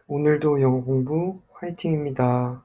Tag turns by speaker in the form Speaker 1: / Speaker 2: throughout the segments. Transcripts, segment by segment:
Speaker 1: 오늘도 영어 공부 화이팅입니다.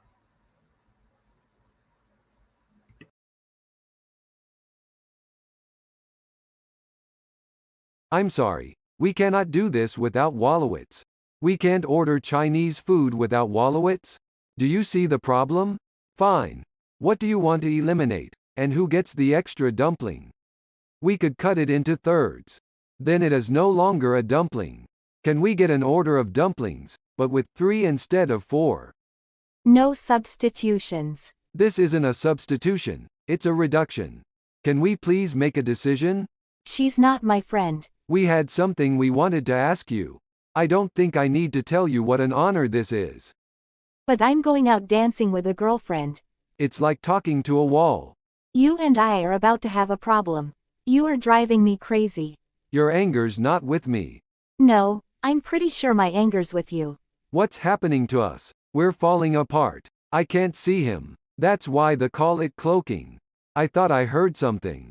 Speaker 2: I'm sorry, we cannot do this without Wallowitz. We can't order Chinese food without Wallowitz? Do you see the problem? Fine. What do you want to eliminate, and who gets the extra dumpling? We could cut it into thirds. Then it is no longer a dumpling. Can we get an order of dumplings, but with 3 instead of 4?
Speaker 3: No substitutions.
Speaker 2: This isn't a substitution, it's a reduction. Can we please make a decision?
Speaker 3: She's not my friend.
Speaker 2: We had something we wanted to ask you. I don't think I need to tell you what an honor this is.
Speaker 3: But I'm going out dancing with a girlfriend.
Speaker 2: It's like talking to a wall.
Speaker 3: You and I are about to have a problem. You are driving me crazy.
Speaker 2: Your anger's not with me.
Speaker 3: No, I'm pretty sure my anger's with you.
Speaker 2: What's happening to us? We're falling apart. I can't see him. That's why they call it cloaking. I thought I heard something.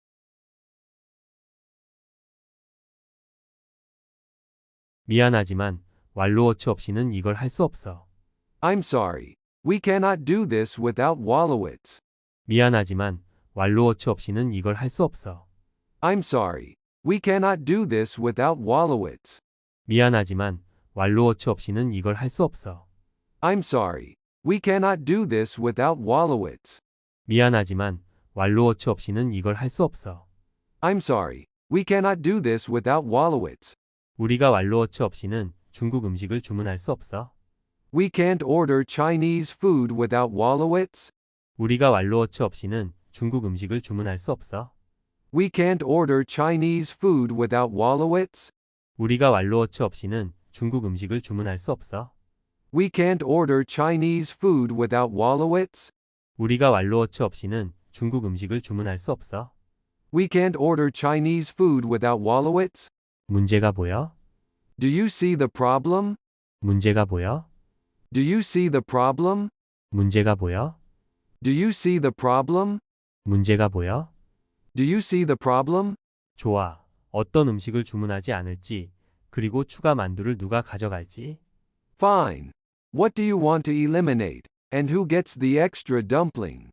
Speaker 4: 미안하지만 왈로워치 없이는 이걸 할 수 없어.
Speaker 2: I'm sorry. We cannot do this without Wallowitz.
Speaker 4: 미안하지만 왈로워치 없이는 이걸 할 수 없어.
Speaker 2: I'm sorry. We cannot do this without Wallowitz.
Speaker 4: 미안하지만 왈로워치 없이는 이걸 할 수 없어.
Speaker 2: I'm sorry. We cannot do this without Wallowitz.
Speaker 4: 미안하지만 왈로워치 없이는 이걸 할 수 없어.
Speaker 2: I'm sorry. We cannot do this without Wallowitz.
Speaker 4: 우리가 왈로워치 없이는 중국 음식을 주문할 수 없어.
Speaker 2: We can't order Chinese food without Wallowitz.
Speaker 4: 우리가 왈로워치 없이는 중국 음식을 주문할 수 없어.
Speaker 2: We can't order Chinese food without Wallowitz.
Speaker 4: 우리가 왈로워치 없이는 중국 음식을 주문할 수 없어.
Speaker 2: We can't order Chinese food without Wallowitz.
Speaker 4: 우리가 왈로워치 없이는 중국 음식을 주문할 수 없어.
Speaker 2: We can't order Chinese food without Wallowitz.
Speaker 4: 문제가 보여?
Speaker 2: Do you see the problem?
Speaker 4: 문제가 보여?
Speaker 2: Do you see the problem?
Speaker 4: 문제가 보여?
Speaker 2: Do you see the problem?
Speaker 4: 문제가 보여?
Speaker 2: Do you see the problem?
Speaker 4: 좋아. 어떤 음식을 주문하지 않을지, 그리고 추가 만두를 누가 가져갈지.
Speaker 2: Fine. What do you want to eliminate, and who gets the extra dumpling?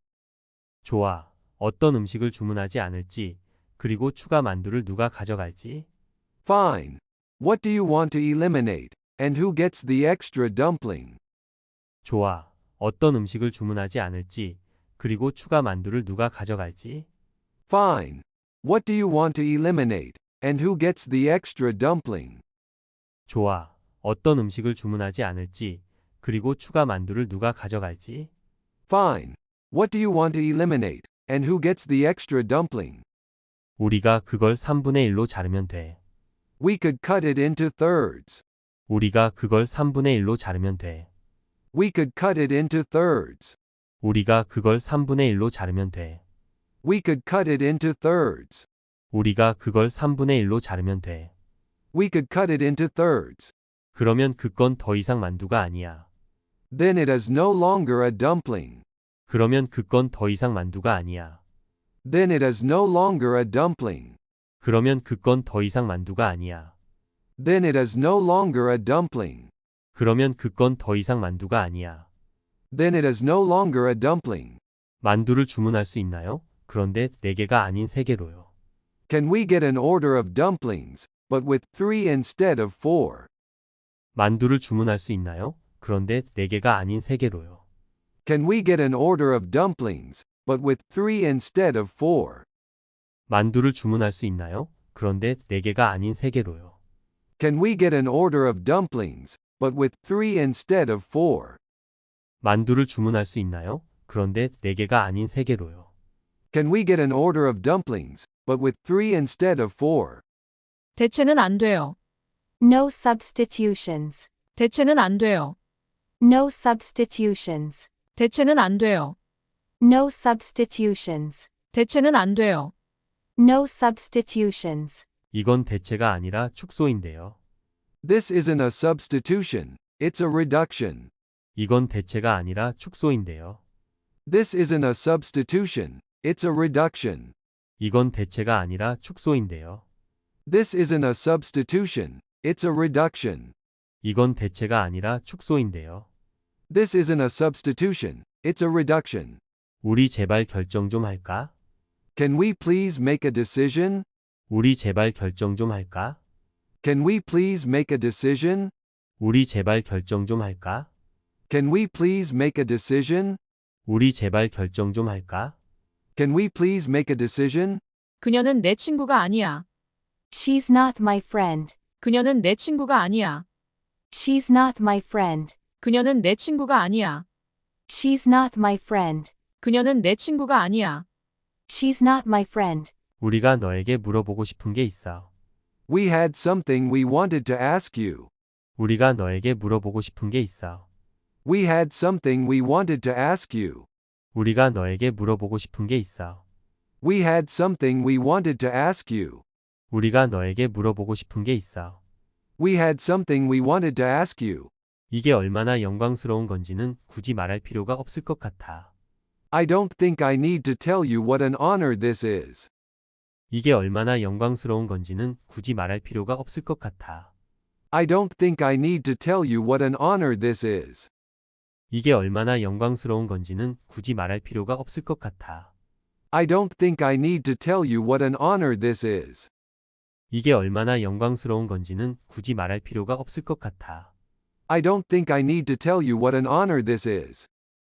Speaker 4: 좋아. 어떤 음식을 주문하지 않을지, 그리고 추가 만두를 누가 가져갈지.
Speaker 2: Fine. What do you want to eliminate, and who gets the extra dumpling?
Speaker 4: 좋아. 어떤 음식을 주문하지 않을지, 그리고 추가 만두를 누가 가져갈지.
Speaker 2: Fine. What do you want to eliminate, and who gets the extra dumpling?
Speaker 4: 좋아. 어떤 음식을 주문하지 않을지, 그리고 추가 만두를 누가 가져갈지.
Speaker 2: Fine. What do you want to eliminate, and who gets the extra dumpling?
Speaker 4: 우리가 그걸 3분의 1로 자르면 돼.
Speaker 2: We could cut it into thirds.
Speaker 4: 우리가 그걸 3분의 1로 자르면 돼.
Speaker 2: We could cut it into thirds.
Speaker 4: 우리가 그걸 3분의 1로 자르면 돼.
Speaker 2: We could cut it into thirds.
Speaker 4: 우리가 그걸 3분의 1로 자르면 돼.
Speaker 2: We could cut it into thirds.
Speaker 4: 그러면 그건 더 이상 만두가 아니야.
Speaker 2: Then it is no longer a dumpling.
Speaker 4: 그러면 그건 더 이상 만두가 아니야.
Speaker 2: Then it is no longer a dumpling.
Speaker 4: 그러면 그건 더 이상 만두가 아니야.
Speaker 2: Then it is no longer a dumpling.
Speaker 4: 그러면 그건 더 이상 만두가 아니야.
Speaker 2: Then it is no longer a dumpling.
Speaker 4: 만두를 주문할 수 있나요? 그런데 4개가 아닌 3개로요.
Speaker 2: Can we get an order of dumplings, but with 3 instead of 4?
Speaker 4: 만두를 주문할 수 있나요? 그런데 4개가 아닌 3개로요.
Speaker 2: Can we get an order of dumplings, but with 3 instead of 4?
Speaker 4: 만두를 주문할 수 있나요? 그런데 4개가 아닌 3개로요.
Speaker 2: Can we get an order of dumplings, but with 3 instead of 4?
Speaker 4: 만두를 주문할 수 있나요? 그런데 4개가 아닌 3개로요.
Speaker 2: Can we get an order of dumplings, but with 3 instead of 4?
Speaker 5: 대체는 안 돼요.
Speaker 3: No substitutions.
Speaker 5: 대체는 안 돼요.
Speaker 3: No substitutions.
Speaker 5: 대체는 안 돼요.
Speaker 3: No substitutions.
Speaker 5: 대체는 안 돼요.
Speaker 3: No substitutions.
Speaker 4: 이건 대체가 아니라 축소인데요.
Speaker 2: This isn't a substitution, it's a reduction.
Speaker 4: 이건 대체가 아니라 축소인데요.
Speaker 2: This isn't a substitution, it's a reduction.
Speaker 4: 이건 대체가 아니라 축소인데요.
Speaker 2: This isn't a substitution, it's a reduction.
Speaker 4: 이건 대체가 아니라 축소인데요.
Speaker 2: This isn't a substitution, it's a reduction.
Speaker 4: 우리 제발 결정 좀 할까?
Speaker 2: Can we please make a decision?
Speaker 4: 우리 제발 결정 좀 할까?
Speaker 2: Can we please make a decision?
Speaker 4: 우리 제발 결정 좀 할까?
Speaker 2: Can we please make a decision?
Speaker 4: 우리 제발 결정 좀 할까?
Speaker 2: Can we please make a decision?
Speaker 5: 그녀는 내 친구가 아니야.
Speaker 3: She's not my friend.
Speaker 5: 그녀는 내 친구가 아니야.
Speaker 3: She's not my friend.
Speaker 5: 그녀는 내 친구가 아니야.
Speaker 3: She's not my friend.
Speaker 5: 그녀는 내 친구가 아니야.
Speaker 3: She's not my friend.
Speaker 4: 우리가 너에게 물어보고 싶은 게 있어.
Speaker 2: We had something we wanted to ask you.
Speaker 4: 우리가 너에게 물어보고 싶은 게 있어.
Speaker 2: We had something we wanted to ask you.
Speaker 4: 우리가 너에게 물어보고 싶은 게 있어.
Speaker 2: We had something we wanted to ask you.
Speaker 4: 우리가 너에게 물어보고 싶은 게 있어.
Speaker 2: We had something we wanted to ask you.
Speaker 4: 이게 얼마나 영광스러운 건지는 굳이 말할 필요가 없을 것 같아.
Speaker 2: I don't think I need to tell you what an honor this is.
Speaker 4: 이게 얼마나 영광스러운 건지는 굳이 말할 필요가 없을 것 같아.
Speaker 2: I don't think I need to tell you what an honor this is.
Speaker 4: 이게 얼마나 영광스러운 건지는 굳이 말할 필요가 없을 것 같아.
Speaker 2: I don't think I need to tell you what an honor this is.
Speaker 4: 이게 얼마나 영광스러운 건지는 굳이 말할 필요가 없을 것 같아.
Speaker 2: I don't think I need to tell you what an honor this is.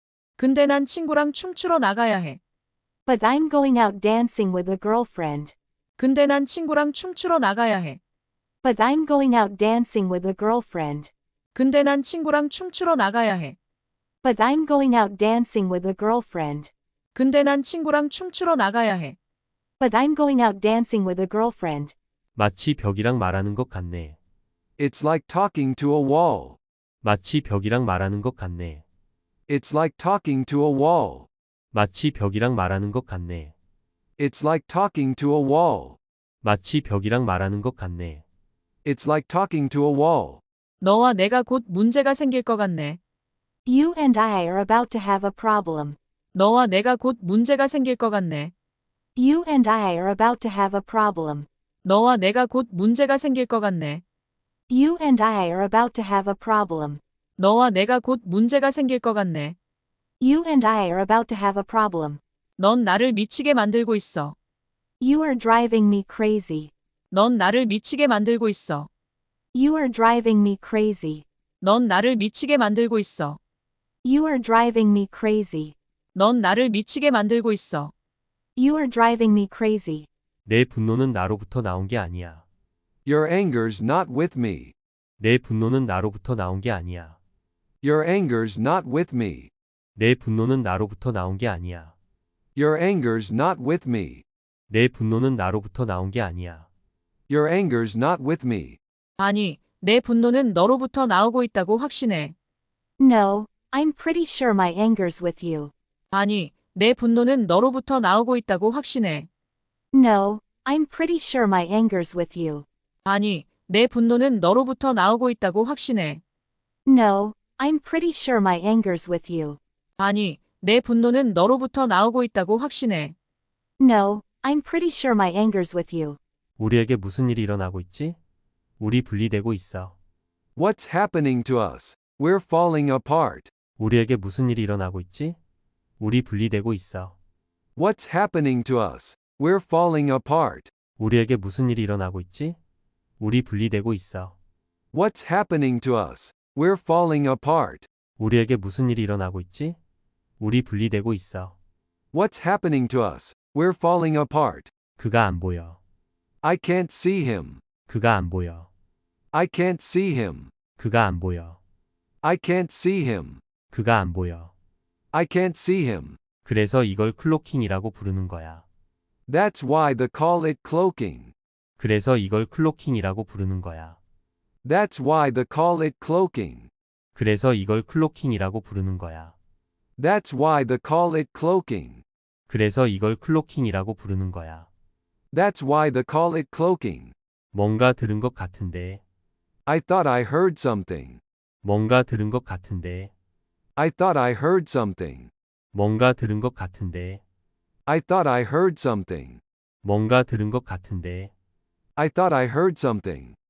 Speaker 5: 근데 난 친구랑 춤추러 나가야 해.
Speaker 3: But I'm going out dancing with a girlfriend.
Speaker 5: 근데 난 친구랑 춤추러 나가야 해.
Speaker 3: But I'm going out dancing with a girlfriend.
Speaker 5: 근데 난 친구랑 춤추러 나가야 해.
Speaker 3: But I'm going out dancing with a girlfriend.
Speaker 5: 근데 난 친구랑 춤추러 나가야 해.
Speaker 3: But I'm going out dancing with a girlfriend.
Speaker 4: 마치 벽이랑 말하는 것 같네.
Speaker 2: It's like talking to a wall.
Speaker 4: 마치 벽이랑 말하는 것 같네.
Speaker 2: It's like talking to a wall.
Speaker 4: 마치 벽이랑 말하는 것 같네.
Speaker 2: It's like talking to a wall.
Speaker 4: 마치 벽이랑 말하는 것 같네.
Speaker 2: It's like talking to a wall.
Speaker 5: 너와 내가 곧 문제가 생길 것 같네.
Speaker 3: You and I are about to have a problem.
Speaker 5: 너와 내가 곧 문제가 생길 것 같네.
Speaker 3: You and I are about to have a problem.
Speaker 5: 너와 내가 곧 문제가 생길 것 같네.
Speaker 3: You and I are about to have a problem.
Speaker 5: 너와 내가 곧 문제가 생길 것 같네.
Speaker 3: You and I are about to have a problem.
Speaker 5: 넌 나를 미치게 만들고 있어.
Speaker 3: You are driving me crazy.
Speaker 5: 넌 나를 미치게 만들고 있어.
Speaker 3: You are driving me crazy.
Speaker 5: 넌 나를 미치게 만들고 있어.
Speaker 3: You are driving me crazy.
Speaker 5: 넌 나를 미치게 만들고 있어.
Speaker 3: You are driving me crazy.
Speaker 4: 내 분노는 나로부터 나온 게 아니야.
Speaker 2: Your anger's not with me.
Speaker 4: 내 분노는 나로부터 나온 게 아니야.
Speaker 2: Your anger's not with me.
Speaker 4: 내 분노는 나로부터 나온 게 아니야.
Speaker 2: Your anger's not with me.
Speaker 4: 내 분노는 나로부터 나온 게 아니야.
Speaker 2: Your anger's not with me.
Speaker 5: 아니, 내 분노는 너로부터 나오고 있다고 확신해.
Speaker 3: No, I'm pretty sure my anger's with you.
Speaker 5: 아니, 내 분노는 너로부터 나오고 있다고 확신해.
Speaker 3: No, I'm pretty sure my anger's with you.
Speaker 5: 아니, 내 분노는 너로부터 나오고 있다고 확신해.
Speaker 3: No, I'm pretty sure my anger's with you.
Speaker 5: 아니, 내 분노는 너로부터 나오고 있다고 확신해.
Speaker 3: No, I'm pretty sure my anger's with you.
Speaker 4: 우리에게 무슨 일이 일어나고 있지? 우리 분리되고 있어.
Speaker 2: What's happening to us? We're falling apart.
Speaker 4: 우리에게 무슨 일이 일어나고 있지? 우리 분리되고 있어.
Speaker 2: What's happening to us? We're falling apart.
Speaker 4: 우리에게 무슨 일이 일어나고 있지? 우리 분리되고 있어.
Speaker 2: What's happening to us? We're falling apart.
Speaker 4: 우리에게 무슨 일이 일어나고 있지? 우리 분리되고 있어.
Speaker 2: What's happening to us? We're falling apart.
Speaker 4: 그가 안 보여.
Speaker 2: I can't see him.
Speaker 4: 그가 안 보여.
Speaker 2: I can't see him.
Speaker 4: 그가 안 보여.
Speaker 2: I can't see him.
Speaker 4: 그가 안 보여.
Speaker 2: I can't see him.
Speaker 4: 그래서 이걸 클로킹이라고 부르는 거야.
Speaker 2: That's why they call it cloaking.
Speaker 4: 그래서 이걸 클로킹이라고 부르는 거야.
Speaker 2: That's why they call it cloaking.
Speaker 4: 그래서 이걸 클로킹이라고 부르는 거야.
Speaker 2: That's why they call it cloaking.
Speaker 4: 그래서 이걸 클로킹이라고 부르는 거야.
Speaker 2: That's why they call it cloaking.
Speaker 4: 뭔가 들은 것 같은데.
Speaker 2: I thought I heard something.
Speaker 4: 뭔가 들은 것 같은데.
Speaker 2: I thought I heard something.
Speaker 4: 뭔가 들은 것 같은데.
Speaker 2: I thought I heard something.
Speaker 4: 뭔가 들은 것 같은데.
Speaker 2: I thought I heard something.